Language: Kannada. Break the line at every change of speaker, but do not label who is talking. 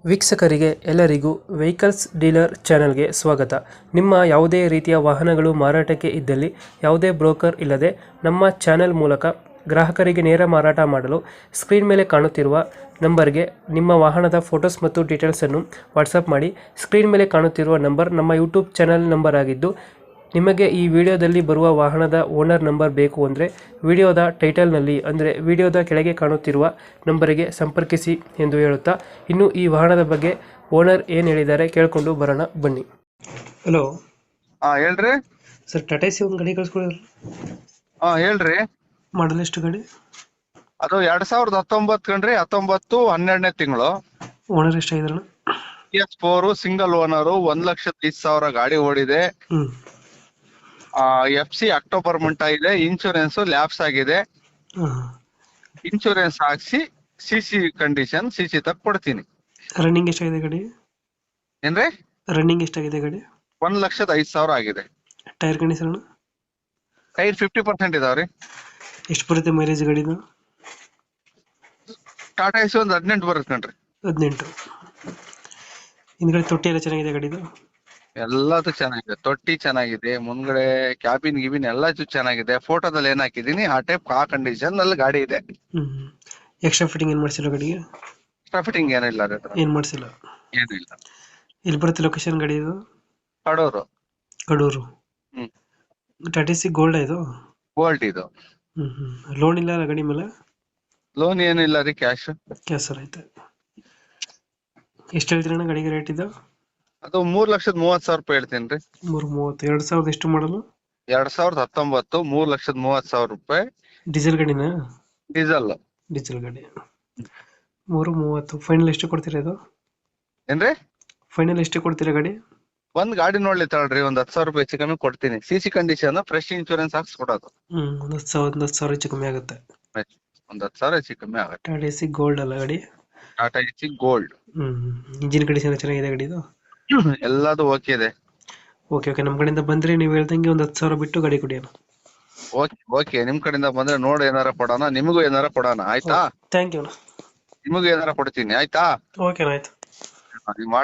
ವೀಕ್ಷಕರಿಗೆ ಎಲ್ಲರಿಗೂ ವೆಹಿಕಲ್ಸ್ ಡೀಲರ್ ಚಾನೆಲ್ಗೆ ಸ್ವಾಗತ. ನಿಮ್ಮ ಯಾವುದೇ ರೀತಿಯ ವಾಹನಗಳು ಮಾರಾಟಕ್ಕೆ ಇದ್ದಲ್ಲಿ ಯಾವುದೇ ಬ್ರೋಕರ್ ಇಲ್ಲದೆ ನಮ್ಮ ಚಾನೆಲ್ ಮೂಲಕ ಗ್ರಾಹಕರಿಗೆ ನೇರ ಮಾರಾಟ ಮಾಡಲು ಸ್ಕ್ರೀನ್ ಮೇಲೆ ಕಾಣುತ್ತಿರುವ ನಂಬರ್ಗೆ ನಿಮ್ಮ ವಾಹನದ ಫೋಟೋಸ್ ಮತ್ತು ಡೀಟೇಲ್ಸನ್ನು ವಾಟ್ಸಪ್ ಮಾಡಿ. ಸ್ಕ್ರೀನ್ ಮೇಲೆ ಕಾಣುತ್ತಿರುವ ನಂಬರ್ ನಮ್ಮ ಯೂಟ್ಯೂಬ್ ಚಾನೆಲ್ ನಂಬರ್ ಆಗಿದ್ದು, ನಿಮಗೆ ಈ ವಿಡಿಯೋದಲ್ಲಿ ಬರುವ ವಾಹನದ ಓನರ್ ನಂಬರ್ ಬೇಕು ಅಂದರೆ ವಿಡಿಯೋದ ಟೈಟಲ್ನಲ್ಲಿ ಅಂದರೆ ವಿಡಿಯೋದ ಕೆಳಗೆ ಕಾಣುತ್ತಿರುವ ನಂಬರಿಗೆ ಸಂಪರ್ಕಿಸಿ ಎಂದು ಹೇಳುತ್ತಾ, ಇನ್ನು ಈ ವಾಹನದ ಬಗ್ಗೆ ಓನರ್ ಏನು ಹೇಳಿದ್ದಾರೆ ಕೇಳಿಕೊಂಡು ಬರೋಣ ಬನ್ನಿ. ಹಲೋ
ಹೇಳ್ರಿ.
ಸರ್, ಟಾಟಾ ಸಿ ಒಂದು ಗಾಡಿ ಕಳಿಸ್ಕೊಡಿದ್ರಲ್ಲ,
ಹೇಳ್ರಿ.
ಮಾಡಲ್ ಎಷ್ಟು ಗಾಡಿ?
ಅದು 2019 ಕಣ್ರಿ. 19 12ನೇ ತಿಂಗಳು.
ಓನರ್ ಎಷ್ಟಾಗಿದ್ರಣ?
PS4 ಸಿಂಗಲ್ ಓನರು, 1,05,000 ಗಾಡಿ ಓಡಿದೆ. FC ಅಕ್ಟೋಬರ್ ಮಂಟ ಇದೆ. ಇನ್ಶೂರೆನ್ಸ್ ಲ್ಯಾಪ್ಸ್ ಆಗಿದೆ. ಇನ್ಶೂರೆನ್ಸ್ ಹಾಕ್ಸಿ CC ಕಂಡೀಷನ್ CC ತಕ್ ಕೊಡ್ತೀನಿ.
ರನ್ನಿಂಗ್ ಎಷ್ಟಾಗಿದೆ ಗಾಡಿ?
ಏನ್ರಿ?
ರನ್ನಿಂಗ್ ಎಷ್ಟಾಗಿದೆ ಗಾಡಿ?
1,05,000 ಆಗಿದೆ.
Tyre condition?
ಟೈರ್ 50% ಇದಾವ್ರಿ.
ಎಷ್ಟು ಬರುತ್ತೆ ಮೈಲೇಜ್ ಗಾಡಿದು?
ಟಾಟಾ ಎಸಿ ಒಂದು 18 ಬರುತ್ತೆ ಕಣ್ರಿ.
18. ಹಿಂದ್ಗಡೆ ತೊಟ್ಟಿ ಎಲ್ಲ ಚೆನ್ನಾಗಿದೆ ಗಾಡಿದು?
ಎಲ್ಲದು ಚೆನ್ನಾಗಿದೆ. ತೊಟ್ಟಿ ಚೆನ್ನಾಗಿದೆ. ಮುಂದ್ಗಡೆ ಕ್ಯಾಬಿನ್ ಗಿಬಿನ್ ಎಲ್ಲ ಚೆನ್ನಾಗಿದೆ. ಫೋಟೋದಲ್ಲಿ ಏನ್ ಹಾಕಿದೀನಿ ಆ ಟೈಪ್ ಆ ಕಂಡೀಷನ್ ಅಲ್ಲಿ ಗಾಡಿ ಇದೆ.
ಎಕ್ಸ್ಟ್ರಾ ಫಿಟ್ಟಿಂಗ್ ಏನ್ ಮಾಡ್ಸಿಲ್ಲ ಗಾಡಿಗೆ?
ಎಕ್ಸ್ಟ್ರಾ ಫಿಟ್ಟಿಂಗ್ ಏನಿಲ್ಲ ರೀ.
ಏನ್ ಮಾಡ್ಸಿಲ್ಲ?
ಏನಿಲ್ಲ.
ಎಲ್ಲಿ ಬರುತ್ತೆ ಲೊಕೇಶನ್ ಗಾಡಿ ಇದು?
ಕಡೂರು.
ಕಡೂರು. ಟಾಟಾ ಸಿ ಗೋಲ್ಡ್ ಇದು?
ಗೋಲ್ಡ್ ಇದು.
ಲೋನ್ ಇಲ್ಲ ಗಾಡಿ ಮೇಲೆ?
ಲೋನ್ ಏನಿಲ್ಲ ರೀ, ಕ್ಯಾಶ್.
ಕ್ಯಾಸರ್ ಐತೆ. ಎಷ್ಟು ಹೇಳ್ತೀರಣ್ಣ ಗಾಡಿಗೆ ರೇಟ್ ಇದು?
ಅದು 3,30,000 ರೂಪಾಯಿ ಹೇಳ್ತೀನಿ ರೀ.
330. 2000 ಎಷ್ಟು ಮಾಡಲು?
2019 3,30,000 ರೂಪಾಯಿ.
ಡೀಸೆಲ್ ಗಾಡಿನಾ?
ಡೀಸೆಲ್.
ಡೀಸೆಲ್ ಗಾಡಿ. 330. ಫೈನಲ್ ಎಷ್ಟು ಕೊಡ್ತೀರಾ ಇದು?
ಏನ್ರಿ?
ಫೈನಲ್ ಎಷ್ಟು ಕೊಡ್ತೀರಾ ಗಾಡಿ?
ಒಂದ್ ಗಾಡಿ ನೋಡ್ಲಿ ತಗೊಳ್ರಿ, ಒಂದ್ 10,000 ರೂಪಾಯಿ ಹೆಚ್ಚು ಕಮ್ಮಿ ಕೊಡ್ತೀನಿ. CC ಕಂಡೀಷನ್ ಫ್ರೆಶ್ ಇನ್ಶೂರೆನ್ಸ್ ಹಾಕ್ಸ್ ಕೊಡೋದು.
ಒಂದ್ 10,000 ಹೆಚ್ಚು ಕಮ್ಮಿ ಆಗುತ್ತೆ.
ಒಂದ್ 10,000 ಹೆಚ್ಚು ಕಮ್ಮಿ ಆಗುತ್ತೆ.
ಟಾಟಾ ಸಿ ಗೋಲ್ಡ್ ಅಲ್ಲ ಗಾಡಿ?
Tata ace gold.
Engine condition ಚೆನ್ನಾಗಿದೆ ಗಾಡಿದು?
ಎಲ್ಲದು ಓಕೆ ಇದೆ.
Okay okay. ನಮ್ಮ ಕಡೆಯಿಂದ ಬಂದ್ರೆ ನೀವು ಹೇಳ್ದಂಗೆ ಒಂದು 10,000 ಬಿಟ್ಟು ಗಾಡಿ ಕೊಡಿ.
ಓಕೆ ನಿಮ್ ಕಡೆಯಿಂದ ಬಂದ್ರೆ ನೋಡಿ ಏನಾರ ಕೊಡೋಣ, ನಿಮಗೂ ಏನಾರ ಕೊಡೋಣ. ಆಯ್ತಾ?
Thank you.
ನಿಮಗೂ ಏನಾರ ಕೊಡ್ತೀನಿ. ಆಯ್ತಾ?
ಓಕೆ ಆಯ್ತು.